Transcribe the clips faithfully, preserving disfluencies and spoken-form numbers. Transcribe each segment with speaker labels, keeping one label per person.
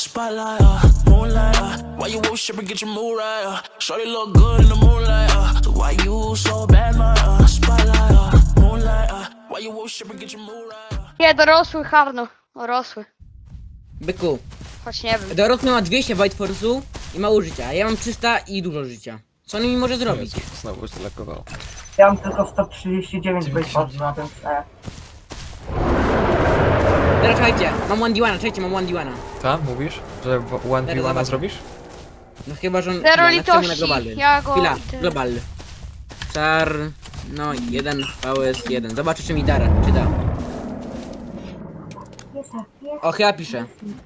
Speaker 1: spotlight, uh, moonlight, uh, why you worship and get your mood right, uh, shorty look good in the moonlight, uh, so why you so bad, my, uh, spotlight, uh, moonlight, uh, why you worship and get your mood right, uh.
Speaker 2: Nie, dorosły Harno. Dorosły.
Speaker 3: Byku,
Speaker 2: Choć nie wiem.
Speaker 3: dorosły ma dwieście White Force'u i mało życia, a ja mam trzysta i dużo życia. Co on mi może zrobić?
Speaker 4: Jezu, znowu się lakowało.
Speaker 5: Ja mam tylko sto trzydzieści dziewięć wypadł na ten e.
Speaker 3: Teraz czekajcie, mam one D one, czekajcie, mam one D one.
Speaker 4: Tak? Mówisz? Że one v
Speaker 3: zobacz.
Speaker 4: one zrobisz?
Speaker 3: No chyba, że on...
Speaker 2: Zero
Speaker 3: chwila, napiszemy na
Speaker 2: litości,
Speaker 3: globalny.
Speaker 2: ja go-
Speaker 3: Chwila,
Speaker 2: ty-
Speaker 3: globalny. Czar... No, jeden V S jeden. Zobaczę, czy mi da, czy da. O, chyba pisze.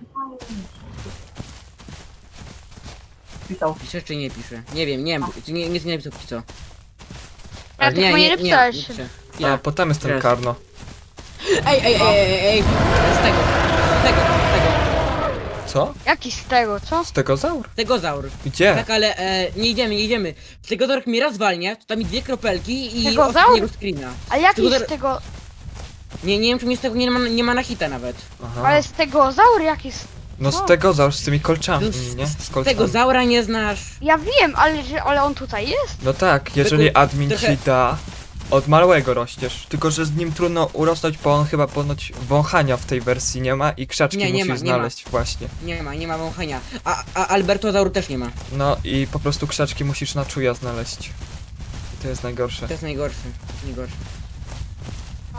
Speaker 5: Pisał.
Speaker 3: Pisze czy nie pisze? Nie wiem, nie wiem, nie, nie, nie napisał póki co.
Speaker 2: Ja
Speaker 3: Ale
Speaker 2: tylko nie napisałeś.
Speaker 3: pisze.
Speaker 4: A
Speaker 3: Ja.
Speaker 4: potem jest ten
Speaker 3: Teraz.
Speaker 4: Karno.
Speaker 3: Ej, ej, ej, ej, ej, z tego, z tego, z tego,
Speaker 4: Co?
Speaker 2: Jaki z tego, co?
Speaker 4: Stegozaur?
Speaker 3: stegozaur.
Speaker 4: Gdzie?
Speaker 3: Tak, ale e, nie idziemy, nie idziemy. Stegozaur mi raz walnie, to tam mi dwie kropelki i
Speaker 2: Stegozaur?
Speaker 3: ostatniego screena.
Speaker 2: Ale jaki
Speaker 3: Stegozaur-
Speaker 2: z tego...
Speaker 3: Nie, nie wiem, czy mi z tego nie ma, nie ma na hita nawet.
Speaker 4: Aha.
Speaker 2: Ale z tego zaur jaki z...
Speaker 4: No
Speaker 2: co?
Speaker 4: stegozaur z tymi kolczami,
Speaker 3: Z-
Speaker 4: nie? Z
Speaker 3: Z
Speaker 4: kolcami.
Speaker 3: tego zaura nie znasz.
Speaker 2: Ja wiem, ale, że- ale on tutaj jest?
Speaker 4: No tak, jeżeli
Speaker 3: Tylko
Speaker 4: admin
Speaker 3: trochę-
Speaker 4: ci da, od małego rościesz. Tylko, że z nim trudno urosnąć, bo on chyba ponoć wąchania w tej wersji nie ma i krzaczki
Speaker 3: Nie, nie
Speaker 4: musisz
Speaker 3: ma, nie ma.
Speaker 4: znaleźć właśnie.
Speaker 3: Nie ma, nie ma wąchania. A, a Albertozaur też nie ma.
Speaker 4: No i po prostu krzaczki musisz na czuja znaleźć. I to jest najgorsze.
Speaker 3: To jest najgorszy. Najgorszy.
Speaker 2: No.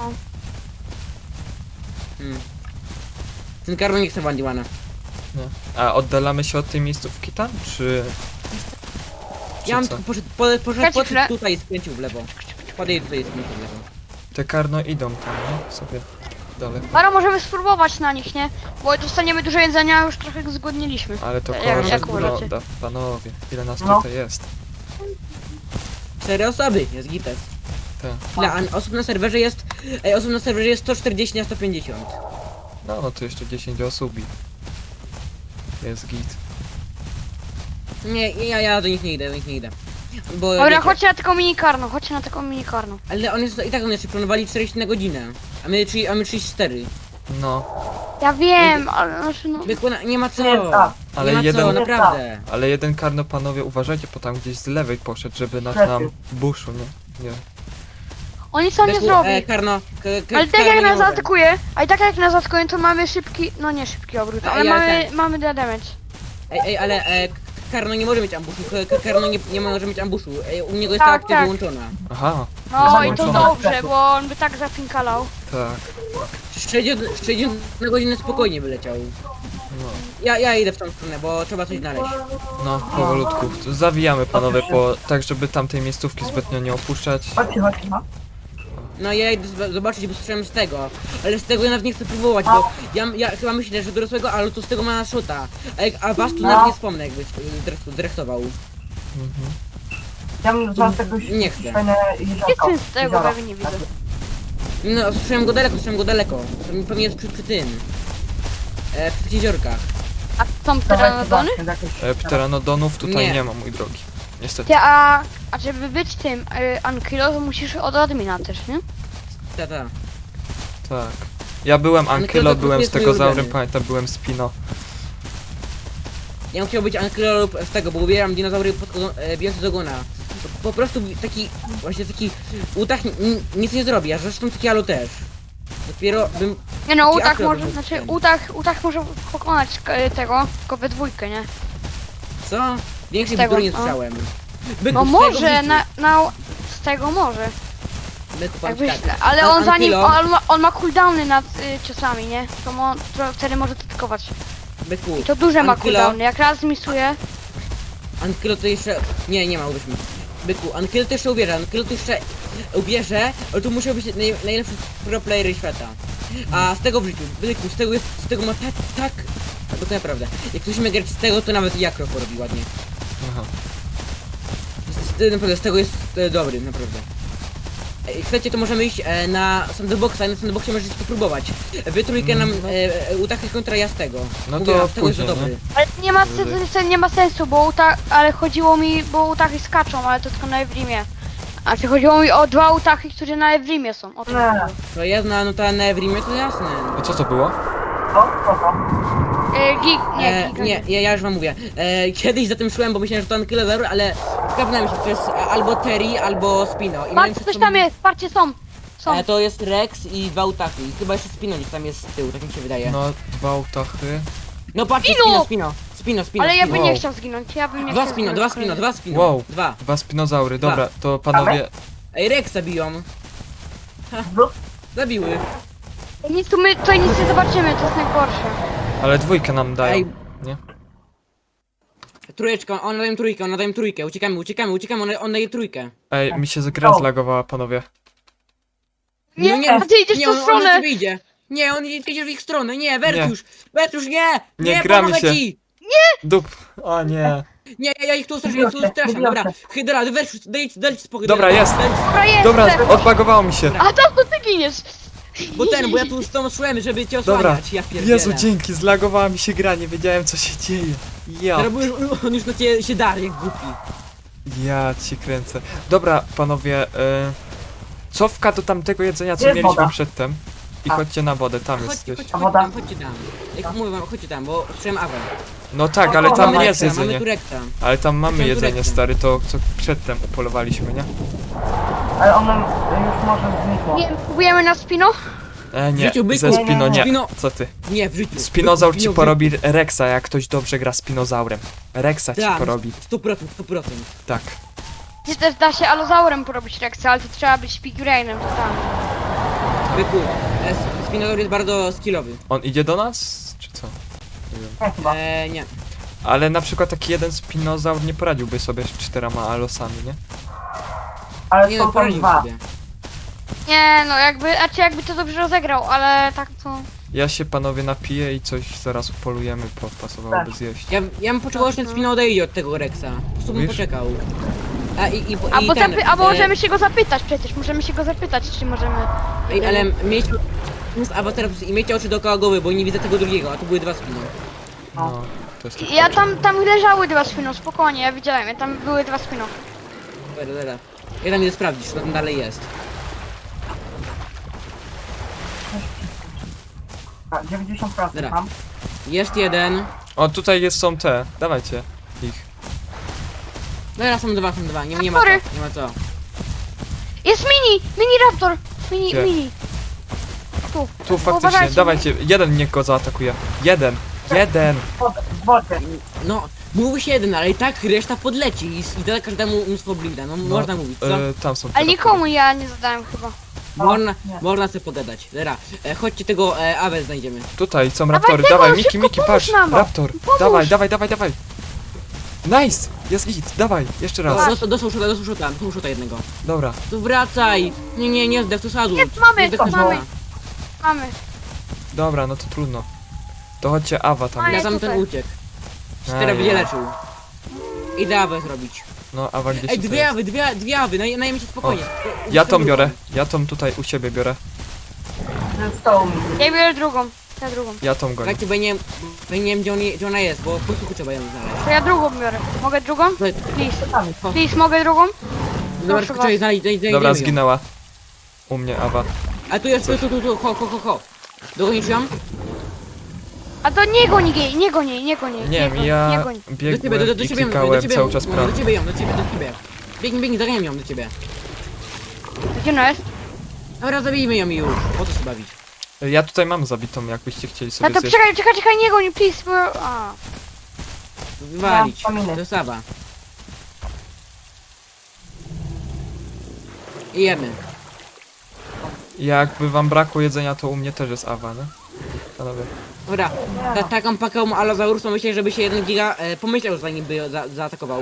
Speaker 3: Hmm. Ten Karol nie chce Bandiwana.
Speaker 4: Nie. A oddalamy się od tej miejscówki tam, czy... czy
Speaker 3: Ja mam
Speaker 4: co?
Speaker 3: tylko poszedł, poszedł, poszedł,
Speaker 2: Czekajcie
Speaker 3: poszedł
Speaker 2: chwilę.
Speaker 3: tutaj i skręcił w lewo. Podejdź tutaj i skręcił w lewo.
Speaker 4: Te Karno idą tam, nie? Sobie daleko.
Speaker 2: Bara, możemy spróbować na nich, nie? Bo dostaniemy dużo jedzenia, a już trochę zgłodniliśmy.
Speaker 4: Ale to
Speaker 2: Jak-
Speaker 4: korzek
Speaker 2: jak uważacie?
Speaker 4: broda, panowie. Ile nas
Speaker 5: No.
Speaker 4: tutaj jest?
Speaker 3: Cztery osoby, jest gites.
Speaker 4: Te.
Speaker 3: Ile a osób na serwerze jest... Ej, osób na serwerze jest sto czterdzieści na sto pięćdziesiąt.
Speaker 4: No, no to jeszcze dziesięć osób i... Jest git.
Speaker 3: Nie, ja, ja do nich nie idę, do nich nie idę. Bo
Speaker 2: Dobra,
Speaker 3: wiecie,
Speaker 2: chodźcie na taką minikarną, chodźcie na taką minikarną.
Speaker 3: ale on jest, i tak on jeszcze planowali czterdzieści na godzinę. A my, czyli, a my trzydzieści cztery.
Speaker 4: No,
Speaker 2: Ja wiem, ale znaczy no...
Speaker 3: Byku, na- nie ma co.
Speaker 5: Nie, tak.
Speaker 4: Ale
Speaker 3: nie ma
Speaker 4: jeden-
Speaker 3: co, naprawdę.
Speaker 4: ale jeden Karno, panowie, uważajcie, bo tam gdzieś z lewej poszedł, żeby nas
Speaker 5: Lepiej.
Speaker 4: nam buszu, nie? Nie.
Speaker 2: On nic nam nie
Speaker 3: Byku,
Speaker 2: zrobi.
Speaker 3: e, Karno, k, k,
Speaker 2: Ale tak
Speaker 3: Karno
Speaker 2: jak
Speaker 3: nie
Speaker 2: nas
Speaker 3: może.
Speaker 2: zaatakuje, a i tak jak nas zaatakuje, to mamy szybki, no nie szybki obrót,
Speaker 3: A
Speaker 2: ale
Speaker 3: ja
Speaker 2: mamy,
Speaker 3: ten-
Speaker 2: mamy dead damage.
Speaker 3: Ej, ej, ale e, K- Karno nie może mieć ambuszu, K- K- Karno nie, nie może mieć ambuszu. Ej, u niego jest
Speaker 2: Tak,
Speaker 3: ta akcja
Speaker 2: tak.
Speaker 3: wyłączona.
Speaker 4: Aha,
Speaker 2: No
Speaker 4: jest
Speaker 2: i to
Speaker 4: włączone.
Speaker 2: dobrze, bo on by tak zapinkalał.
Speaker 4: Tak,
Speaker 3: sześćdziesiąt, sześćdziesiąt na godzinę spokojnie wyleciał.
Speaker 4: no.
Speaker 3: Ja, ja idę w tą stronę, bo trzeba coś znaleźć.
Speaker 4: No, powolutku. Zawijamy, panowie, po, tak żeby tamtej miejscówki zbytnio nie opuszczać.
Speaker 5: Chodźcie, chodźcie, no.
Speaker 3: No ja idę zba- zobaczyć, bo słyszałem z tego. Ale z tego ja nawet nie chcę próbować, bo ja, ja chyba myślę, że dorosłego, ale to z tego ma na shota. A, jak- a was tu
Speaker 5: No.
Speaker 3: nawet nie wspomnę, jakbyś y, zrechtował.
Speaker 4: Mhm.
Speaker 5: Ja bym za tego
Speaker 3: Nie chcę.
Speaker 5: fajne
Speaker 2: Nie
Speaker 5: jeziorko.
Speaker 2: chcę z tego,
Speaker 5: Jezioro.
Speaker 2: prawie nie widzę.
Speaker 3: No, słyszałem go daleko, słyszałem go daleko. Pewnie- Pewnie jest przy, przy tym. E, przy jeziorkach.
Speaker 2: A są
Speaker 5: Dawajcie,
Speaker 2: pteranodony?
Speaker 5: zobaczmy, jakieś-
Speaker 4: E, pteranodonów tutaj
Speaker 3: Nie.
Speaker 4: nie. ma, mój drogi. Niestety.
Speaker 2: Ty, a, a żeby być tym y, Ankylo, to musisz od admina też, nie?
Speaker 3: Ta, ta.
Speaker 4: Tak. Ja byłem
Speaker 3: Ale
Speaker 4: Ankylo,
Speaker 3: kto to
Speaker 4: byłem
Speaker 3: jest mój
Speaker 4: stegozaurem,
Speaker 3: ulubiony?
Speaker 4: pamiętam, byłem Spino.
Speaker 3: Ja bym chciał być Ankylo lub z tego, bo ubieram dinozaury pod, e, bijące z ogona. Po, po prostu taki, właśnie taki utach ni- nic nie zrobi, a zresztą taki alu też. Dopiero bym...
Speaker 2: Nie no,
Speaker 3: Taki
Speaker 2: Utach
Speaker 3: aktor
Speaker 2: może,
Speaker 3: był
Speaker 2: znaczy
Speaker 3: ten.
Speaker 2: Utach, Utach może pokonać y, tego, tylko we dwójkę, nie?
Speaker 3: Co? Większej
Speaker 2: Z tego,
Speaker 3: bzdury nie
Speaker 2: no.
Speaker 3: słyszałem. Byku,
Speaker 2: No
Speaker 3: z tego w
Speaker 2: może,
Speaker 3: życiu.
Speaker 2: na, na, z tego może.
Speaker 3: Byku, powiem
Speaker 2: Jakbyś,
Speaker 3: ci tak.
Speaker 2: ale
Speaker 3: An-
Speaker 2: on zanim,
Speaker 3: Ankylo-
Speaker 2: on ma, on ma cooldowny nad y, ciosami, nie? To mo, to wtedy może atakować.
Speaker 3: Byku,
Speaker 2: I to duże ma
Speaker 3: Ankylo-
Speaker 2: cooldowny, jak raz misuje,
Speaker 3: Ankylo to jeszcze... Nie, nie ma, uwierzmy. Byku, Ankylo to jeszcze ubierze, Ankylo to jeszcze ubierze, ale to musiał być naj, najlepszy pro player świata. A z tego w życiu, Byku, z tego jest, z tego ma tak, tak... Bo to naprawdę, jak ktoś ma grać z tego, to nawet Jakro porobi ładnie.
Speaker 4: Aha.
Speaker 3: Z, z, naprawdę, z tego jest e, dobry, naprawdę. Ej, chcecie, to możemy iść e, na sandboxa, na sandboxie możecie popróbować. Wy trójkę nam e, e, Utachy kontra ja z tego.
Speaker 4: No
Speaker 3: Mówię,
Speaker 4: to
Speaker 3: a z tego jest
Speaker 4: później,
Speaker 3: dobry.
Speaker 2: ale nie ma,
Speaker 4: Wyżej.
Speaker 2: sensu, nie ma sensu, bo Utah, ale chodziło mi, bo Utachy skaczą, ale to tylko na Evrimie. A czy chodziło mi o dwa Utachy, które na Evrimie są, o to
Speaker 5: Nie.
Speaker 2: chodziło.
Speaker 3: To jedna, no ta na Evrimie to jasne.
Speaker 4: A co to było?
Speaker 5: Co? Co to?
Speaker 2: E, gig, nie,
Speaker 3: E,
Speaker 2: giga.
Speaker 3: nie, ja, ja już wam mówię. E, kiedyś za tym szłem, bo myślałem, że to ankylozaur, ale sprawdzałem się, to jest albo Terry, albo Spino. I miałem
Speaker 2: Patrz,
Speaker 3: przed
Speaker 2: coś
Speaker 3: sobą-
Speaker 2: tam jest, patrzcie, są. Są.
Speaker 3: E, to jest Rex i dwa utaki. Chyba jeszcze Spino gdzieś tam jest z tyłu, tak mi się wydaje. No,
Speaker 4: No, dwa utachy.
Speaker 3: patrzcie,
Speaker 2: Spino!
Speaker 3: Spino, Spino, Spino, Spino.
Speaker 2: Ale ja bym
Speaker 3: Spino.
Speaker 2: nie
Speaker 4: Wow.
Speaker 2: chciał zginąć, ja bym nie
Speaker 3: Dwa
Speaker 2: chciał
Speaker 3: Spino,
Speaker 2: zginąć.
Speaker 3: dwa Spino, dwa Spino.
Speaker 4: Wow.
Speaker 3: Dwa.
Speaker 4: Dwa spinozaury, dobra, to panowie...
Speaker 3: Ej, Rexa biją.
Speaker 5: Znów?
Speaker 3: Zabiły.
Speaker 2: Nic tu my tutaj nic nie zobaczymy, to jest najgorsze.
Speaker 4: Ale dwójkę nam dają,
Speaker 3: Ej.
Speaker 4: nie?
Speaker 3: Trójeczka, on daje trójkę, on daje trójkę. Uciekamy, uciekamy, uciekamy, on, on daje trójkę.
Speaker 4: Ej, mi się gra zlagowała, panowie.
Speaker 2: Nie,
Speaker 3: No nie,
Speaker 2: a ty idziesz
Speaker 3: nie,
Speaker 2: w tą
Speaker 3: on, on na
Speaker 2: stronę.
Speaker 3: ciebie idzie. Nie, on idzie idzie w ich stronę, nie, Wertusz, Wertusz, nie!
Speaker 4: Nie,
Speaker 3: Nie,
Speaker 4: gramy
Speaker 3: pomogę
Speaker 4: się.
Speaker 3: ci!
Speaker 4: Dup, o nie.
Speaker 3: Nie, ja, ja ich tu straszam, ja ich tu straszam, dobra. Hydra, Wertusz, daj, daj ci spokój.
Speaker 4: Dobra,
Speaker 3: daj,
Speaker 4: jest.
Speaker 3: daj ci-
Speaker 2: Dobra, jest.
Speaker 4: Dobra, odbagowało mi się.
Speaker 2: A to, to ty giniesz.
Speaker 3: Bo ten, bo ja tu z tą szłem, żeby cię
Speaker 4: Dobra,
Speaker 3: osłaniać, ja pierdzielę.
Speaker 4: Jezu, dzięki, zlagowała mi się gra, nie wiedziałem co się dzieje. Ja,
Speaker 3: Teraz już, on już na ciebie się dar, jak głupi.
Speaker 4: ja ci kręcę. Dobra, panowie, y, cofka do tamtego jedzenia, co
Speaker 5: Jest
Speaker 4: mieliśmy
Speaker 5: woda.
Speaker 4: przedtem. I
Speaker 5: A.
Speaker 4: chodźcie na wodę, tam jest
Speaker 3: Chodźcie,
Speaker 4: gdzieś.
Speaker 3: chodźcie,
Speaker 5: A
Speaker 3: chodźcie
Speaker 5: woda?
Speaker 3: tam, chodźcie tam. Jak mówię wam, chodźcie tam, bo słyszałem awę.
Speaker 4: No tak,
Speaker 5: O,
Speaker 4: ale
Speaker 5: o,
Speaker 4: tam
Speaker 5: mamy
Speaker 4: jest
Speaker 3: Mamy
Speaker 4: jedzenie.
Speaker 3: tu rekta.
Speaker 4: Ale tam mamy
Speaker 3: Chciałem
Speaker 4: jedzenie,
Speaker 3: tureckie.
Speaker 4: stary, to co przedtem upolowaliśmy, nie?
Speaker 5: Ale ono już może znikło.
Speaker 2: Nie, próbujemy na spino?
Speaker 4: E, nie,
Speaker 3: życiu byku.
Speaker 4: ze Spino nie.
Speaker 3: Spino-
Speaker 4: Co ty?
Speaker 3: Nie, w życiu.
Speaker 4: Spinozaur ci
Speaker 3: Spino-
Speaker 4: porobi Rexa, jak ktoś dobrze gra Spinozaurem. Rexa ci
Speaker 3: Tak,
Speaker 4: porobi,
Speaker 3: sto procent, sto procent.
Speaker 4: tak.
Speaker 2: Gdzie też da się alozaurem porobić reakcję, ale to trzeba być Pigurainem, to tam.
Speaker 3: Byku, e, Spinozaur jest bardzo skillowy.
Speaker 4: On idzie do nas, czy co? Nie wiem.
Speaker 5: Nie chyba.
Speaker 3: Eee, nie.
Speaker 4: Ale na przykład taki jeden Spinozaur nie poradziłby sobie z czterema alosami, nie?
Speaker 5: Ale
Speaker 3: Nie
Speaker 5: są
Speaker 3: no,
Speaker 5: tam
Speaker 3: poradził
Speaker 5: dwa.
Speaker 3: sobie.
Speaker 2: Nie, no jakby, znaczy jakby to dobrze rozegrał, ale tak to...
Speaker 4: Ja się panowie napiję i coś zaraz upolujemy, po- pasowałoby
Speaker 5: Tak.
Speaker 4: zjeść.
Speaker 3: Ja, ja bym poczekał, aż ten Spino odejdzie od tego Rexa. Po prostu bym
Speaker 4: Mówisz?
Speaker 3: poczekał. A i, i, i
Speaker 2: Albo,
Speaker 3: ten,
Speaker 2: zapy- albo
Speaker 3: e,
Speaker 2: możemy się go zapytać przecież, możemy się go zapytać, czy możemy...
Speaker 3: Ej, ale mieć z awatarem i mieć oczy dookoła głowy, bo nie widzę tego drugiego, a tu były dwa Spino.
Speaker 4: No, to jest
Speaker 2: Ja tam, tam leżały dwa spino, spokojnie, ja widziałem, ja tam były dwa spino.
Speaker 3: Dobra, dobra. Ja tam idę sprawdzić, co tam dalej jest.
Speaker 5: A, dziewięćdziesiąt procent
Speaker 3: Dobra.
Speaker 5: mam.
Speaker 3: Jest jeden.
Speaker 4: O, tutaj jest, są te, dawajcie ich.
Speaker 3: Dobra, są dwa, są dwa, nie, nie ma
Speaker 2: Sorry.
Speaker 3: co, nie ma co.
Speaker 2: Jest mini! Mini raptor! Mini,
Speaker 4: Gdzie?
Speaker 2: mini! Tu.
Speaker 4: Tu faktycznie,
Speaker 2: Uważajcie.
Speaker 4: dawajcie, jeden niech go zaatakuje. Jeden, jeden.
Speaker 5: W wodzie, w wodzie.
Speaker 3: No, mówi się jeden, ale i tak reszta podleci i, i da każdemu mnóstwo blinda, no,
Speaker 4: No,
Speaker 3: można mówić, co?
Speaker 4: e, tam są te
Speaker 2: Ale
Speaker 4: raptory.
Speaker 2: nikomu ja nie zadałem chyba.
Speaker 3: Można,
Speaker 5: nie.
Speaker 3: można sobie pogadać. Dobra, e, chodźcie tego e, Awę znajdziemy.
Speaker 4: Tutaj są raptory,
Speaker 2: tego,
Speaker 4: dawaj, Miki,
Speaker 2: szybko
Speaker 4: Miki,
Speaker 2: pomóż
Speaker 4: patrz,
Speaker 2: nam.
Speaker 4: raptor,
Speaker 2: Pomóż.
Speaker 4: dawaj, dawaj, dawaj, dawaj. Nice, jest git, dawaj, jeszcze raz.
Speaker 3: Dostał, dostał szuta, dostał szuta, dostał szuta jednego.
Speaker 4: Dobra,
Speaker 3: Tu wracaj! Nie, nie, nie zdech, to sadu.
Speaker 2: Jest, mamy,
Speaker 3: zdech, to
Speaker 2: mamy.
Speaker 3: sadu.
Speaker 2: Mamy.
Speaker 4: dobra, no to trudno. To chodźcie, Awa tam
Speaker 2: Maja.
Speaker 3: Ja
Speaker 4: jest.
Speaker 3: tam ten
Speaker 2: tutaj.
Speaker 3: uciekł.
Speaker 4: Ej.
Speaker 3: Cztery będzie leczył. Idę Awę zrobić.
Speaker 4: No, Awa gdzieś
Speaker 3: Ej,
Speaker 4: tutaj
Speaker 3: dwie
Speaker 4: jest.
Speaker 3: Awy, dwie, dwie Awy, naj, najmniej się spokojnie.
Speaker 4: Ja tą biorę, ja tą tutaj u siebie biorę.
Speaker 5: Zostało mi.
Speaker 2: Ja biorę drugą. Ja drugą.
Speaker 4: Ja tą gonię.
Speaker 3: Słuchajcie, bo ja nie wiem, bo ja nie wiem gdzie, on, je- gdzie ona jest, bo po prostu trzeba ją znaleźć.
Speaker 2: To ja drugą biorę. Mogę drugą?
Speaker 3: Tutaj,
Speaker 2: Please.
Speaker 5: Tam.
Speaker 2: Please, mogę drugą?
Speaker 3: Dobra,
Speaker 2: Proszę
Speaker 3: tylko trzeba jej
Speaker 2: was.
Speaker 3: znaleźć, znajdziemy
Speaker 4: Dobra,
Speaker 3: ją.
Speaker 4: zginęła. U mnie Awa.
Speaker 3: A tu jest, tu, tu, tu, tu, ho, ho, ho, ho. Dogonisz ją?
Speaker 2: A to nie goni jej, nie goni jej, nie goni jej.
Speaker 4: Nie wiem,
Speaker 2: goni, nie
Speaker 4: ja
Speaker 2: goni.
Speaker 3: Do ciebie, do,
Speaker 4: biegłem
Speaker 3: do, do
Speaker 4: i
Speaker 3: ciebie, do
Speaker 4: klikałem
Speaker 3: ciebie,
Speaker 4: cały czas
Speaker 3: no,
Speaker 4: prawo.
Speaker 3: do ciebie ją, do ciebie, do ciebie. Biegnij, biegnij, zaganiam ją do ciebie.
Speaker 2: Gdzie ona jest?
Speaker 3: Dobra, zabijmy ją i już. Po co się bawić?
Speaker 4: Ja tutaj mam zabitą, jakbyście chcieli
Speaker 2: No
Speaker 4: sobie
Speaker 2: to
Speaker 4: zjeść.
Speaker 2: czekaj, czekaj, czekaj, nie goni, please, bo... A.
Speaker 3: Wywalić.
Speaker 5: Ja, pamiętaj.
Speaker 3: To jest Awa. I jemy.
Speaker 4: Jakby wam brakło jedzenia, to u mnie też jest Awa, nie? Panowie.
Speaker 3: Dobra, ta, taką paką Allosaurusą myślę, żeby się jeden giga e, pomyślał zanim by za, zaatakował.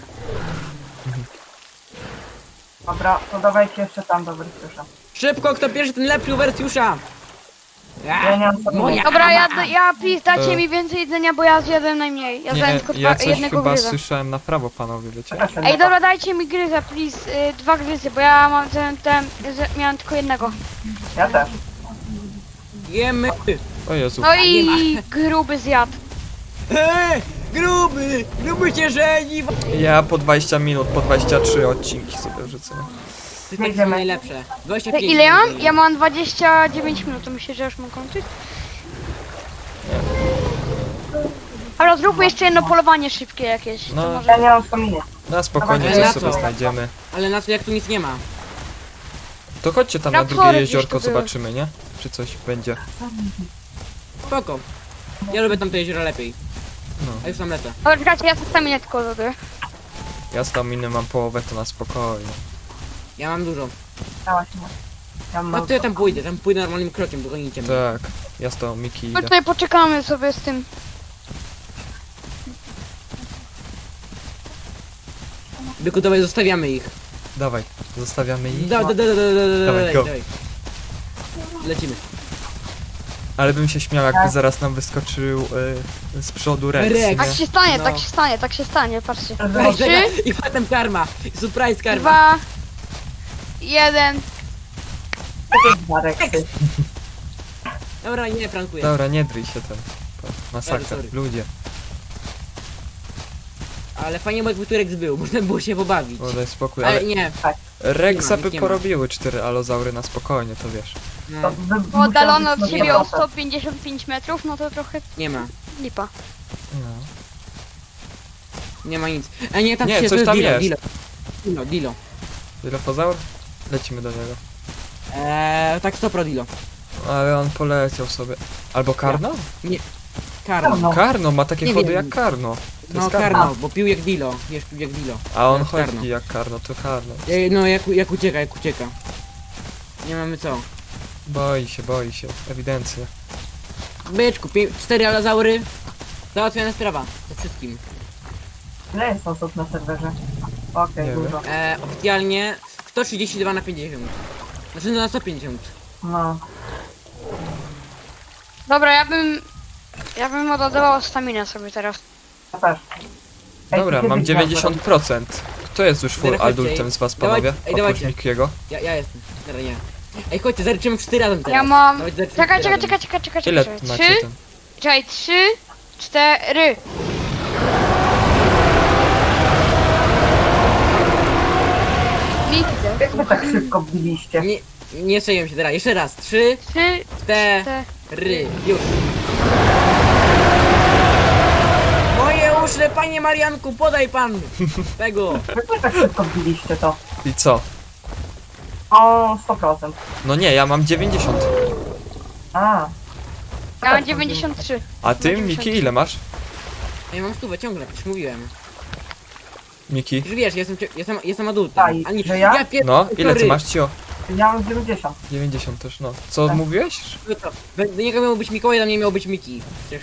Speaker 5: Dobra, to dawajcie jeszcze tam do Wertiusza.
Speaker 3: Szybko, kto pierwszy, ten lepszy u Wertiusza!
Speaker 5: Ja nie mam co
Speaker 3: Moja
Speaker 2: Dobra, ja,
Speaker 3: Awa.
Speaker 2: ja, please, dajcie
Speaker 4: E.
Speaker 2: mi więcej jedzenia, bo ja zjadłem najmniej. Ja zjadłem
Speaker 4: Nie,
Speaker 2: tylko
Speaker 4: ja
Speaker 2: dwa,
Speaker 4: coś
Speaker 2: jednego
Speaker 4: chyba
Speaker 2: gryza.
Speaker 4: słyszałem na prawo, panowie, wiecie?
Speaker 5: Czekajcie,
Speaker 2: Ej, dobra, dajcie mi gryza, please, y, dwa gryzy, bo ja mam ten, ten, z- miałem tylko jednego.
Speaker 5: Ja też.
Speaker 3: Jemy!
Speaker 4: O Jezu.
Speaker 2: No
Speaker 3: nie ma.
Speaker 2: i gruby zjadł.
Speaker 3: Eee, gruby! Gruby cię żeni! To
Speaker 4: Ja po dwadzieścia minut, po dwadzieścia trzy odcinki sobie wrzucę.
Speaker 3: jest takie
Speaker 5: Jedziemy.
Speaker 3: najlepsze. dwadzieścia
Speaker 2: To
Speaker 3: pięć
Speaker 2: ile ja mam?
Speaker 3: minut.
Speaker 2: Ja mam dwadzieścia dziewięć minut, to myślę, że już mam kończyć. Ale zróbmy jeszcze jedno polowanie szybkie jakieś. To
Speaker 4: No.
Speaker 2: może...
Speaker 5: Ja nie mam staminy.
Speaker 4: Na spokojnie
Speaker 3: Ale
Speaker 4: coś
Speaker 3: na
Speaker 4: sobie
Speaker 3: co?
Speaker 4: znajdziemy.
Speaker 3: Ale na co, jak tu nic nie ma?
Speaker 4: To chodźcie tam na
Speaker 2: Raptory
Speaker 4: drugie
Speaker 2: gdzieś
Speaker 4: jeziorko,
Speaker 2: tu były.
Speaker 4: zobaczymy, nie? Czy coś będzie.
Speaker 3: Spoko. Ja lubię tamte jezioro lepiej.
Speaker 4: No.
Speaker 3: A już tam lecę.
Speaker 2: Ale czekajcie, ja staminę tylko zrobię.
Speaker 4: Ja z tam inny mam połowę, to na spokojnie.
Speaker 3: Ja mam dużo.
Speaker 5: Dałaś mi. Ja mam
Speaker 3: No to ja tam pójdę, tam pójdę normalnym krokiem, dogonicie mnie.
Speaker 4: Tak, ja z tą Miki
Speaker 2: No
Speaker 4: idę.
Speaker 2: tutaj poczekamy sobie z tym.
Speaker 3: Byku, dawaj, zostawiamy ich.
Speaker 4: Dawaj, zostawiamy ich.
Speaker 3: Da, da, da, da, da, da,
Speaker 4: Dawaj,
Speaker 3: dawaj,
Speaker 4: go.
Speaker 3: dawaj. Lecimy.
Speaker 4: Ale bym się śmiał, jakby
Speaker 5: Tak.
Speaker 4: zaraz nam wyskoczył y, z przodu Rex,
Speaker 3: Rex.
Speaker 4: nie?
Speaker 2: Tak się stanie,
Speaker 3: No.
Speaker 2: tak się stanie, tak się stanie, patrzcie.
Speaker 3: Ej,
Speaker 2: Trzy,
Speaker 3: czekaj, i potem karma. Surprise karma.
Speaker 2: dwa, jeden.
Speaker 5: Marek, ty.
Speaker 3: Dobra, nie prankuję.
Speaker 4: Dobra, nie dryj się ten. To masakra,
Speaker 3: sorry.
Speaker 4: ludzie.
Speaker 3: Ale fajnie, bo jakby tu Rex był, można było się pobawić.
Speaker 4: O, daj spokój,
Speaker 3: Ale
Speaker 4: ale
Speaker 3: nie.
Speaker 4: Rexa
Speaker 3: nie ma,
Speaker 4: by
Speaker 3: nie ma.
Speaker 4: porobiły cztery alozaury na spokojnie, to wiesz.
Speaker 3: No,
Speaker 5: To wy-
Speaker 2: Bo oddalony
Speaker 5: musiał
Speaker 2: od
Speaker 5: być
Speaker 2: siebie o
Speaker 5: na
Speaker 2: sto pięćdziesiąt pięć metrów, no to trochę
Speaker 3: nie ma.
Speaker 2: lipa.
Speaker 4: No.
Speaker 3: Nie ma nic. A nie, tam
Speaker 4: Nie,
Speaker 3: się,
Speaker 4: coś
Speaker 3: to
Speaker 4: tam
Speaker 3: Dilo,
Speaker 4: jest.
Speaker 3: Dilo. Dilo, Dilo.
Speaker 4: Dilopozaur? Lecimy do niego.
Speaker 3: Eee, tak sto pro Dilo.
Speaker 4: Ale on poleciał sobie. Albo Karno?
Speaker 3: Karno.
Speaker 5: No.
Speaker 4: Karno ma takie
Speaker 3: Nie
Speaker 4: chody
Speaker 3: wiem.
Speaker 4: jak Karno. To
Speaker 3: No
Speaker 4: jest
Speaker 3: Karno, bo pił jak Dilo. Wiesz, pił jak Dilo.
Speaker 4: A on
Speaker 3: Jak
Speaker 4: chodzi
Speaker 3: Karno.
Speaker 4: jak Karno, to Karno.
Speaker 3: Ej, no jak, jak ucieka, jak ucieka. Nie mamy co.
Speaker 4: Boi się, boi się, ewidentnie.
Speaker 3: Byczku, pi- cztery alazaury. Załatwiona sprawa. Ze wszystkim.
Speaker 5: Ile jest osób na serwerze? Okej,
Speaker 4: Nie
Speaker 5: dużo.
Speaker 3: Eee, oficjalnie sto trzydzieści dwa na pięćdziesiąt. Znaczy no na sto pięćdziesiąt.
Speaker 5: No.
Speaker 2: Dobra, ja bym... Ja bym oddawał staminę sobie teraz.
Speaker 5: Ja też. Ej,
Speaker 4: Dobra,
Speaker 5: ty
Speaker 4: mam
Speaker 5: kiedyś
Speaker 4: dziewięćdziesiąt procent. Kto jest już full
Speaker 3: Dobra, chodźcie,
Speaker 4: adultem z was,
Speaker 3: dawaj-
Speaker 4: panowie?
Speaker 3: ej,
Speaker 4: Oprócz
Speaker 3: dawajcie.
Speaker 4: Mikiego.
Speaker 3: Ja, ja jestem. Teraz nie. Ej, chodźcie, zaliczymy wszyscy razem teraz.
Speaker 2: Ja mam...
Speaker 3: Dawajcie, zaliczymy
Speaker 2: Czekaj,
Speaker 3: wszyscy
Speaker 2: czekaj,
Speaker 3: razem.
Speaker 2: czekaj, czekaj, czekaj,
Speaker 4: Ile
Speaker 2: czekaj.
Speaker 4: macie
Speaker 2: Trzy,
Speaker 4: ten?
Speaker 2: czekaj, trzy, cztery. Widzę.
Speaker 5: Jak wy tak szybko biliście?
Speaker 3: Nie, nie strzeliłem się teraz. Jeszcze raz. Trzy,
Speaker 2: Trzy,
Speaker 3: cztery.
Speaker 2: cztery.
Speaker 3: Już. Moje uszy, panie Marianku, podaj pan tego.
Speaker 5: Jak wy tak szybko biliście to?
Speaker 4: I co?
Speaker 5: O, sto procent.
Speaker 4: No nie, ja mam dziewięćdziesiąt.
Speaker 5: A.
Speaker 2: Ja mam dziewięćdziesiąt trzy.
Speaker 4: A ty,
Speaker 2: No,
Speaker 4: Miki, ile masz?
Speaker 3: Ja mam stówę ciągle, przecież mówiłem.
Speaker 4: Miki?
Speaker 3: Już wiesz, jestem, cie- jestem, jestem adultem.
Speaker 5: A, i-
Speaker 3: Ani,
Speaker 5: że ja?
Speaker 3: pier-
Speaker 4: No, ile ty
Speaker 3: sorry.
Speaker 4: masz, Cio?
Speaker 5: Ja mam dziewięćdziesiąt.
Speaker 4: dziewięćdziesiąt też, no. Co
Speaker 5: Tak.
Speaker 4: mówiłeś?
Speaker 3: No to, Do niego miał być Mikołaj, do mnie miał być Miki. Przecież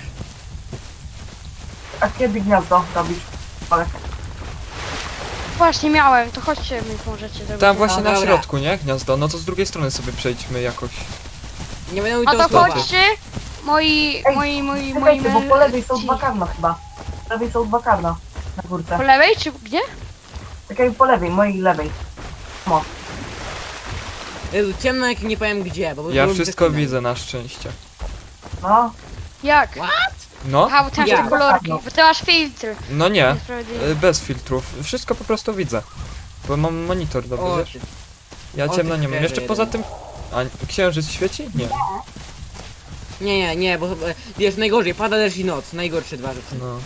Speaker 5: A kiedy gniazdo robisz? Ale
Speaker 2: Właśnie miałem, to chodźcie mi możecie zrobić.
Speaker 4: Tam właśnie
Speaker 3: No
Speaker 4: na
Speaker 3: dobra.
Speaker 4: środku, nie? Gniazdo. No to z drugiej strony sobie przejdźmy jakoś.
Speaker 3: nie będę mówił
Speaker 2: A
Speaker 3: tego
Speaker 2: to
Speaker 3: słowa.
Speaker 2: chodźcie, moi,
Speaker 5: Ej,
Speaker 2: moi, moi, moi...
Speaker 5: czekajcie, bo po lewej są
Speaker 2: ci.
Speaker 5: dwa karna chyba. Po lewej są dwa karna. Na górce.
Speaker 2: Po lewej czy gdzie?
Speaker 5: Czekaj, po lewej, mojej lewej. No.
Speaker 3: Jezu, ciemno jak nie powiem gdzie, bo...
Speaker 4: Ja
Speaker 3: bo-
Speaker 4: wszystko
Speaker 3: bo-
Speaker 4: widzę na szczęście.
Speaker 5: No.
Speaker 2: Jak?
Speaker 4: No?
Speaker 2: Aha, bo ty masz
Speaker 3: Ja.
Speaker 2: te kolorki, bo ty masz filtr.
Speaker 4: No nie.
Speaker 2: Niesprawiedliwe.
Speaker 4: Y, Bez filtrów. Wszystko po prostu widzę. Bo mam monitor dobry,
Speaker 3: O,
Speaker 4: wiesz?
Speaker 3: ty.
Speaker 4: Ja
Speaker 3: o,
Speaker 4: ciemno
Speaker 3: ty
Speaker 4: nie mam. Jeszcze
Speaker 3: frajerze
Speaker 4: poza
Speaker 3: jeden.
Speaker 4: tym... A księżyc świeci? Nie.
Speaker 3: Nie, nie, nie, bo e, wiesz, najgorzej, pada deszcz i noc, najgorsze dwa rzeczy.
Speaker 4: No.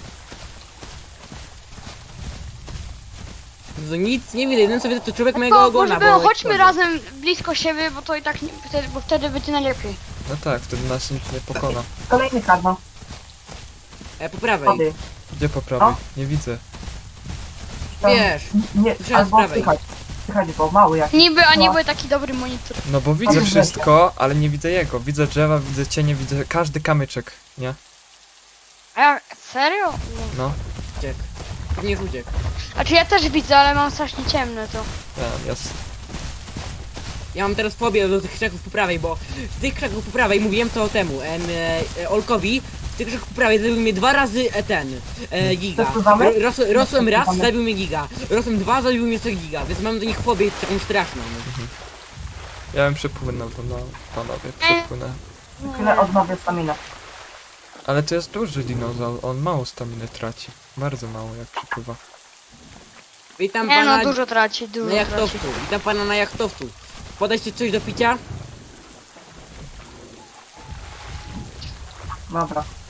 Speaker 3: No nic nie widzę, jeden co widzę to człowiek
Speaker 2: No
Speaker 3: mojego
Speaker 2: to
Speaker 3: ogona,
Speaker 2: może było,
Speaker 3: bo...
Speaker 2: chodźmy razem blisko siebie, bo to i tak nie, wtedy, bo wtedy będzie najlepiej.
Speaker 4: No tak, wtedy nas nikt nie pokona.
Speaker 5: Kolejny karno.
Speaker 3: E, po prawej.
Speaker 5: Wody.
Speaker 4: Gdzie po prawej?
Speaker 5: No.
Speaker 4: Nie widzę.
Speaker 5: Tam-
Speaker 3: Wiesz,
Speaker 5: Nie,
Speaker 3: Trzeba z
Speaker 5: albo
Speaker 3: prawej.
Speaker 5: słychać. Słychać, bo mały jak.
Speaker 2: Niby, a
Speaker 5: No.
Speaker 2: niby taki dobry monitor.
Speaker 4: No bo widzę
Speaker 5: Ale
Speaker 4: wszystko, ale nie widzę jego. Widzę drzewa, widzę cienie, widzę każdy kamyczek, nie?
Speaker 2: A ja, serio?
Speaker 4: No.
Speaker 3: uciek. Pewnie już uciekł.
Speaker 2: Znaczy ja też widzę, ale mam strasznie ciemne to.
Speaker 4: Ja, jest.
Speaker 3: Ja mam teraz fobię do tych krzaków po prawej, bo z tych krzaków po prawej, mówiłem to temu, em, e, e, Olkowi, z tych krzaków po prawej zabił mnie dwa razy e, ten, e, giga.
Speaker 5: Przesuwamy?
Speaker 3: Ro, ros, rosłem raz,
Speaker 5: Przesuwamy?
Speaker 3: zabił mnie giga. Rosłem dwa, zabił mnie sto giga, więc mam do nich fobię taką straszną.
Speaker 4: Ja bym przepłynął to, no, panowie, przepłynę.
Speaker 5: Chwilę odnowię staminę.
Speaker 4: Ale to jest duży dinozaur, on mało staminy traci. Bardzo mało jak przepływa.
Speaker 3: Witam
Speaker 2: Nie
Speaker 3: pana
Speaker 2: no, dużo traci,
Speaker 3: na
Speaker 2: dużo traci.
Speaker 3: jachtowcu, witam pana na jachtowcu. Podać ci coś do picia?
Speaker 5: Dobra.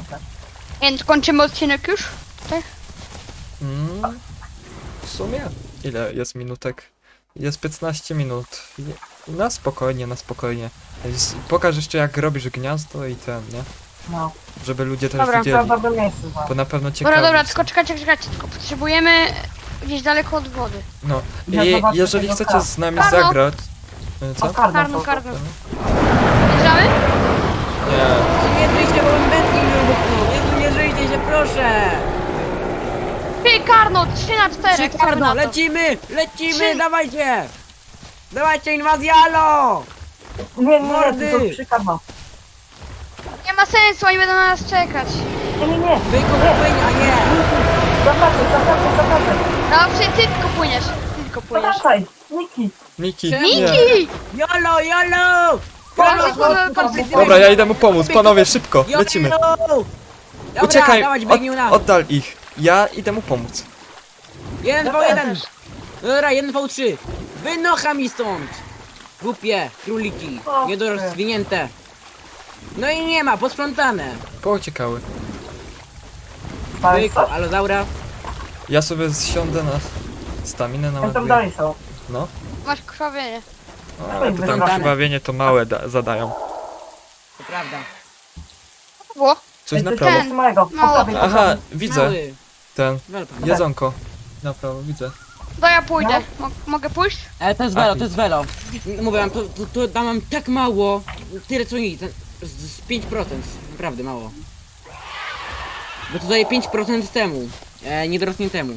Speaker 5: też.
Speaker 2: Więc kończymy odcinek już? Tak?
Speaker 4: Mm, w sumie? Ile jest minutek? Jest piętnaście minut. Je- Na spokojnie, na spokojnie. Z- Pokaż jeszcze jak robisz gniazdo i ten, nie?
Speaker 5: No,
Speaker 4: Żeby ludzie też
Speaker 2: Dobra,
Speaker 4: widzieli.
Speaker 5: prawda by miejsce znaleźć.
Speaker 4: Bo na pewno ciekawi
Speaker 2: Dobra, dobra,
Speaker 4: są.
Speaker 2: tylko czekajcie, czekajcie, tylko potrzebujemy gdzieś daleko od wody.
Speaker 4: No.
Speaker 5: Ja
Speaker 4: I
Speaker 5: zobaczę
Speaker 4: jeżeli
Speaker 5: tego
Speaker 4: chcecie
Speaker 5: kar-
Speaker 4: z nami
Speaker 2: Karno.
Speaker 4: zagrać... y, Co?
Speaker 5: O, karno,
Speaker 2: Karno,
Speaker 5: to-
Speaker 2: karno.
Speaker 4: to-
Speaker 2: Bierzemy?
Speaker 4: Nie.
Speaker 3: Nie żyjcie, bo mam wędki mi wybuchną. Jezu, nie żyjcie się, proszę.
Speaker 2: Ty, Karno, trzy na cztery.
Speaker 3: Trzy karno, lecimy, lecimy, dawajcie. Dawajcie, inwazja, alo.
Speaker 5: Nie, nie, nie,
Speaker 3: Mordy!
Speaker 5: tylko trzy karno.
Speaker 2: Nie ma sensu, oni będą na nas czekać.
Speaker 5: Nie, nie, nie.
Speaker 3: Wyjku, wypłyń, a nie.
Speaker 5: Zawracaj, zawracaj, zawracaj.
Speaker 2: Dobrze, ty tylko płyniesz. Ty tylko płyniesz.
Speaker 5: Zawracaj. Niki.
Speaker 4: Miki,
Speaker 3: Czemu?
Speaker 4: nie.
Speaker 2: Niki!
Speaker 3: Jolo, jolo.
Speaker 2: Dobra,
Speaker 3: Jolo,
Speaker 2: dobra,
Speaker 3: złotko,
Speaker 4: Dobra, ja idę mu pomóc, panowie, szybko,
Speaker 3: Jolo.
Speaker 4: lecimy.
Speaker 3: Dobra,
Speaker 4: Uciekaj,
Speaker 3: dawać,
Speaker 4: od,
Speaker 3: biegnił nam.
Speaker 4: oddal ich. Ja idę mu pomóc.
Speaker 3: jeden v jeden. Dobra, jeden v trzy. Wynocha mi stąd. Głupie króliki,
Speaker 5: O,
Speaker 3: niedorozwinięte. No i nie ma, posprzątane.
Speaker 4: Pouciekały.
Speaker 5: Dalej
Speaker 3: Wyjku,
Speaker 5: coś?
Speaker 3: alozaura.
Speaker 4: Ja sobie zsiądę na staminę na
Speaker 5: Jak tam dalej są?
Speaker 4: No.
Speaker 2: Masz krwawienie.
Speaker 4: O, ale to tam
Speaker 5: Wybrane.
Speaker 4: krwawienie to małe da zadają.
Speaker 3: To prawda.
Speaker 2: Było?
Speaker 4: Coś
Speaker 5: Ej,
Speaker 4: na
Speaker 5: to
Speaker 4: prawo.
Speaker 5: jest małego. Po
Speaker 2: Mało.
Speaker 5: prawej, po
Speaker 4: Aha,
Speaker 5: prawej.
Speaker 4: widzę.
Speaker 3: Mały.
Speaker 4: Ten.
Speaker 3: Welpan.
Speaker 4: Jedzonko. Na prawo, widzę.
Speaker 2: To ja pójdę. Mo mogę pójść?
Speaker 3: Ale to jest
Speaker 4: Aki.
Speaker 3: welo, to jest welo. Mówię wam, to, to, to tam mam tak mało. Tyle co nic. Z, z pięć procent. Naprawdę mało. Bo to daje pięć procent temu. E, niedorosniętemu.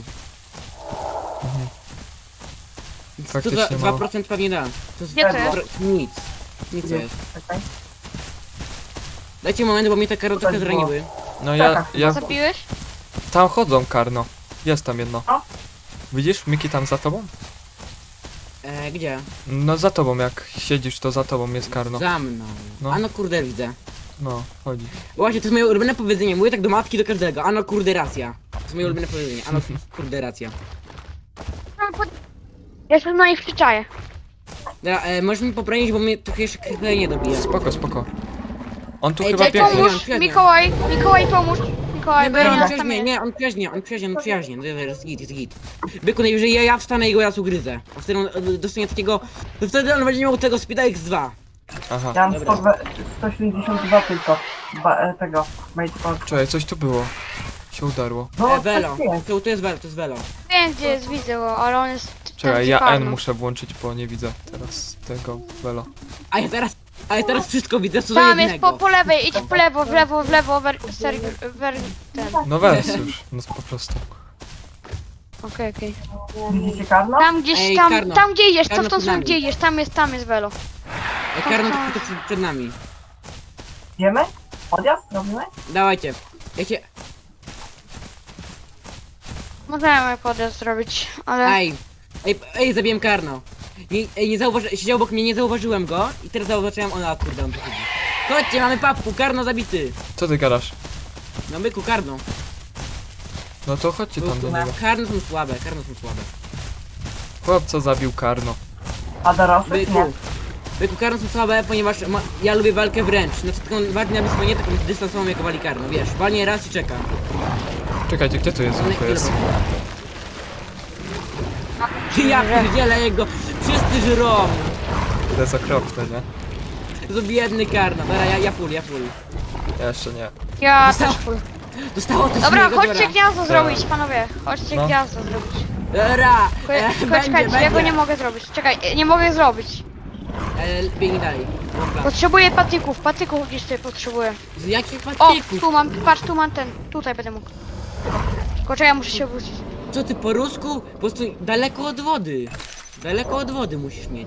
Speaker 3: Co za
Speaker 4: Faktycznie
Speaker 3: dwa
Speaker 4: mało.
Speaker 3: procent pewnie da. To jest
Speaker 2: Gdzie to
Speaker 3: pro- nic. Nic to jest.
Speaker 5: Czekaj.
Speaker 3: Dajcie moment, bo mnie te karotki
Speaker 5: Tutaj było.
Speaker 3: zraniły.
Speaker 4: No ja,
Speaker 5: Tak,
Speaker 4: ja...
Speaker 2: Zabiłeś?
Speaker 4: Tam chodzą, Karno. Jest tam jedno.
Speaker 5: O.
Speaker 4: Widzisz, Miki tam za tobą?
Speaker 3: E, gdzie?
Speaker 4: No za tobą, jak siedzisz, to za tobą jest Karno.
Speaker 3: Za mną.
Speaker 4: No.
Speaker 3: Ano kurde widzę.
Speaker 4: No, chodzi.
Speaker 3: Właśnie, to jest moje ulubione powiedzenie. Mówię tak do matki, do każdego. Ano kurde racja. To jest moje ulubione powiedzenie. Ano kurde racja.
Speaker 2: Ja się na nich przyczaję.
Speaker 3: Dobra, e, możesz mi poprawić, bo mnie trochę jeszcze krwawienie dobija.
Speaker 4: Spoko, spoko. On tu
Speaker 3: Ej,
Speaker 4: chyba
Speaker 3: czekaj,
Speaker 4: biegnie.
Speaker 3: pomóż.
Speaker 2: Pomóż,
Speaker 3: Świetnie.
Speaker 2: Mikołaj, Mikołaj pomóż. Mikołaj,
Speaker 3: Nie,
Speaker 2: bo ja
Speaker 3: Byku,
Speaker 2: nie
Speaker 3: on
Speaker 2: tam
Speaker 3: przyjaźnie,
Speaker 2: jest.
Speaker 3: nie, on przyjaźnie, on przyjaźnie, on przyjaźnie, no jest git, jest git. Byku, najwyżej ja, ja wstanę i go raz ugryzę. A wtedy on e, dostanie takiego, to wtedy on będzie miał tego Speeda X dwa.
Speaker 4: Aha.
Speaker 5: Ja mam
Speaker 3: Dobra.
Speaker 5: sto dwa- sto siedemdziesiąt dwa tylko. Ba, e, tego. Mate Park.
Speaker 4: Czekaj, coś tu było. Się udarło.
Speaker 5: No,
Speaker 3: E, Velo,
Speaker 5: tak jest.
Speaker 3: to, to jest Velo, to jest Velo.
Speaker 2: Wiem gdzie jest, widzę go, ale on jest... ten
Speaker 4: Czekaj, ja
Speaker 2: Karno.
Speaker 4: N muszę włączyć, bo nie widzę teraz tego Velo.
Speaker 3: A ja teraz, a ja teraz wszystko widzę, co do
Speaker 2: Tam jest
Speaker 3: jednego.
Speaker 2: po, po lewej, idź w lewo, w lewo, w lewo, wer, ser, wer, ten.
Speaker 4: No weź już, no po prostu.
Speaker 2: Okej, okej.
Speaker 5: Widzicie karno?
Speaker 2: Tam gdzieś,
Speaker 3: Ej,
Speaker 2: tam,
Speaker 3: Karno.
Speaker 2: tam gdzie idziesz, co
Speaker 3: Karno
Speaker 2: w tą
Speaker 3: przed
Speaker 2: stronę
Speaker 3: nami.
Speaker 2: gdzie idziesz, tam jest, tam jest Velo.
Speaker 3: E, Karno to przed, przed nami.
Speaker 5: Wiemy? Odjazd robimy?
Speaker 3: Dawajcie. Ja się,
Speaker 2: Możemy podjazd zrobić, ale...
Speaker 3: ej, ej, ej, zabiłem Karno. Nie, ej, nie zauważy, siedział obok mnie, nie zauważyłem go i teraz zauważyłem, ona kurde, on tu chodzi. Chodźcie, mamy papku, Karno zabity.
Speaker 4: Co ty gadasz?
Speaker 3: No byku, Karno.
Speaker 4: No to chodźcie tam do niego.
Speaker 3: Karno są słabe, Karno są słabe.
Speaker 4: Chłopca zabił Karno.
Speaker 5: A dorosłych?
Speaker 3: Byku,
Speaker 5: Nie.
Speaker 3: byku, Karno są słabe, ponieważ ma, ja lubię walkę wręcz. Znaczy taką walkę na blisko, nie taką dystansową jak wali Karno, wiesz. Walnie raz i czeka.
Speaker 4: Czekajcie, gdzie to jest?
Speaker 3: One
Speaker 4: To jest.
Speaker 3: Ja pierdzielę jego, wszyscy żrą.
Speaker 4: To jest okropne, nie?
Speaker 3: To jest biedny Karno, dobra, ja, ja full, ja full.
Speaker 4: Ja jeszcze nie.
Speaker 2: Ja
Speaker 3: Zostało-
Speaker 2: też full.
Speaker 3: Dostało to z
Speaker 2: Dobra,
Speaker 3: niego,
Speaker 2: chodźcie
Speaker 3: dobra.
Speaker 2: gniazdo zrobić, panowie. Chodźcie
Speaker 4: No.
Speaker 2: gniazdo zrobić.
Speaker 3: Dobra,
Speaker 2: Tylko,
Speaker 3: e,
Speaker 2: tylko
Speaker 3: będzie,
Speaker 2: czekajcie,
Speaker 3: będzie.
Speaker 2: ja go nie mogę zrobić. Czekaj, e, nie mogę zrobić.
Speaker 3: E, biegnij dalej. Dobra.
Speaker 2: Potrzebuję patyków, patyków gdzieś tutaj potrzebuję.
Speaker 3: Z jakich
Speaker 2: O,
Speaker 3: patyków?
Speaker 2: tu mam, patrz, tu mam ten. Tutaj będę mógł. Tylko czekaj, muszę się wrócić.
Speaker 3: Co ty po rusku? Po prostu daleko od wody. Daleko od wody musisz mieć.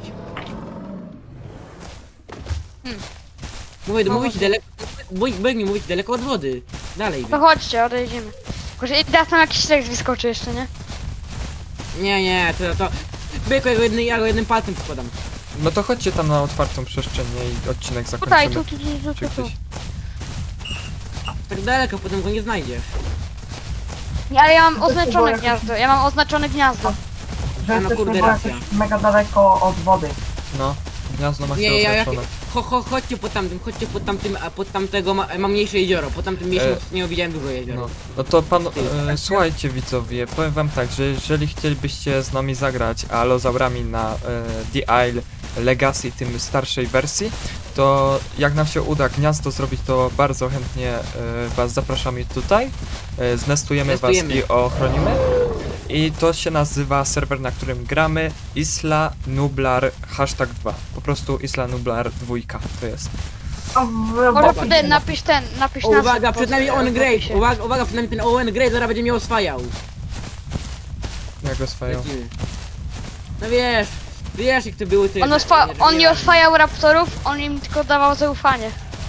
Speaker 2: Hmm.
Speaker 3: Mówię, mówię ci daleko. Biegnij mówić daleko od wody. Dalej.
Speaker 2: To chodźcie, odejdziemy. Tylko, że teraz tam jakiś tekst wyskoczy jeszcze, nie?
Speaker 3: Nie, nie, to to. Byku, ja go jednym, ja go jednym palcem podkładam.
Speaker 4: No to chodźcie tam na otwartą przestrzeń nie? I odcinek
Speaker 2: Tutaj,
Speaker 4: zakończymy.
Speaker 2: tu, tu, tu,
Speaker 4: Czy
Speaker 2: tu, tu.
Speaker 4: gdzieś.
Speaker 3: Tak daleko, potem go nie znajdziesz.
Speaker 2: Nie, ale ja mam
Speaker 5: To
Speaker 2: oznaczone
Speaker 5: było
Speaker 2: gniazdo, ja mam oznaczone gniazdo.
Speaker 5: Że
Speaker 3: A, no
Speaker 5: jesteśmy
Speaker 3: kurde,
Speaker 5: było
Speaker 3: racja.
Speaker 5: jakoś mega daleko od wody.
Speaker 4: No, gniazdo masz
Speaker 3: Nie, ja- ja-
Speaker 4: oznaczone.
Speaker 3: cho, cho, chodźcie po tamtym, chodźcie po tamtym, a pod tamtego ma, ma mniejsze jezioro, po tamtym mniejszym
Speaker 4: E,
Speaker 3: nie widziałem dużo jeziora.
Speaker 4: No, no to pan, e, słuchajcie widzowie, powiem wam tak, że jeżeli chcielibyście z nami zagrać alozaurami na e, The Isle Legacy, tym starszej wersji, to jak nam się uda gniazdo zrobić, to bardzo chętnie e, was zapraszamy tutaj, e, znestujemy
Speaker 3: Znestujemy.
Speaker 4: was i ochronimy. I to się nazywa serwer, na którym gramy Isla Nublar hashtag dwa. Po prostu Isla Nublar dwa to jest.
Speaker 5: A w-
Speaker 2: Może
Speaker 5: bo-
Speaker 2: potem napisz ten, napisz
Speaker 3: O,
Speaker 2: nazwę
Speaker 3: uwaga,
Speaker 2: pod-
Speaker 3: przed nami Owen
Speaker 2: w
Speaker 3: Grave,
Speaker 2: opisie.
Speaker 3: uwaga, uwaga, przed nami ten Owen Grave, zaraz będzie mnie oswajał.
Speaker 4: Jak go swoją.
Speaker 3: Lecimy. No wiesz, wiesz jak to były te...
Speaker 2: On, oswa-
Speaker 3: te-
Speaker 2: on nie oswajał raptorów, on im tylko dawał zaufanie.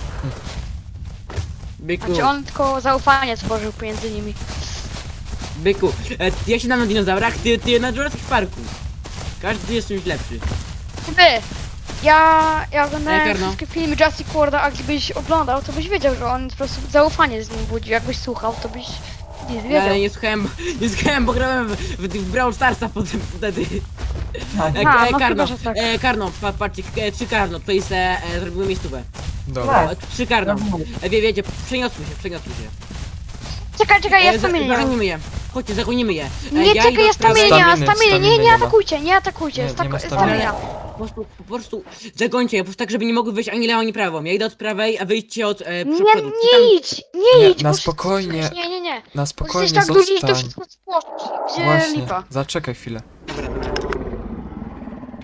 Speaker 3: Byku,
Speaker 2: Znaczy on tylko zaufanie tworzył pomiędzy nimi.
Speaker 3: byku, e, ja się znam na dinozaurach, ty, ty na Jurassic Parku. Każdy jest czymś lepszy.
Speaker 2: Ty, ja, ja oglądałem
Speaker 3: Ej, Karno.
Speaker 2: wszystkie filmy Jurassic Worlda, a gdybyś oglądał, to byś wiedział, że on po prostu zaufanie z nim budzi. Jakbyś słuchał, to byś nie
Speaker 3: Ja,
Speaker 2: wiedział.
Speaker 3: ale nie słuchałem, nie słuchałem, bo grałem w, w, w Brawl Starsa potem wtedy.
Speaker 5: Tak.
Speaker 3: E,
Speaker 2: A,
Speaker 3: e,
Speaker 2: no
Speaker 3: Karno,
Speaker 2: chyba, że tak.
Speaker 3: e, Karno, pa, patrzcie, e, trzy Karno, to jest, e, e, zrobimy miejscówę.
Speaker 4: Dobra.
Speaker 3: E, Trzy Karno,
Speaker 5: Rozumiem.
Speaker 3: e, wie, wiecie, przeniosły się, przeniosły się.
Speaker 2: Czekaj, czekaj, ja
Speaker 3: E, za-
Speaker 2: stamienie nie mam.
Speaker 3: Zagonimy je, chodźcie, zagonimy je. E,
Speaker 2: Nie,
Speaker 3: ja
Speaker 2: czekaj,
Speaker 3: idę
Speaker 2: ja
Speaker 3: od prawej-
Speaker 2: stamienie nie mam,
Speaker 4: Staminy,
Speaker 2: stamienie, nie,
Speaker 4: staminy
Speaker 2: nie
Speaker 4: nie ma.
Speaker 2: atakujcie, nie atakujcie,
Speaker 4: Nie,
Speaker 2: sta-
Speaker 4: nie ma staminy.
Speaker 2: stamina.
Speaker 3: Po prostu, po prostu zagońcie je, po prostu tak, żeby nie mogły wyjść ani lewo, ani prawo. Ja idę od prawej, a wyjdźcie od e,
Speaker 2: Nie,
Speaker 3: przodu. Czy tam-
Speaker 2: nie idź, nie
Speaker 4: Nie,
Speaker 2: idź.
Speaker 4: na
Speaker 2: bo
Speaker 4: spokojnie.
Speaker 2: Nie, nie, nie.
Speaker 4: Na
Speaker 2: Bo
Speaker 4: spokojnie
Speaker 2: jesteś tak duży i to
Speaker 4: zostań.
Speaker 2: wszystko spłoszy. Gdzie
Speaker 4: Właśnie,
Speaker 2: lipa?
Speaker 4: zaczekaj chwilę.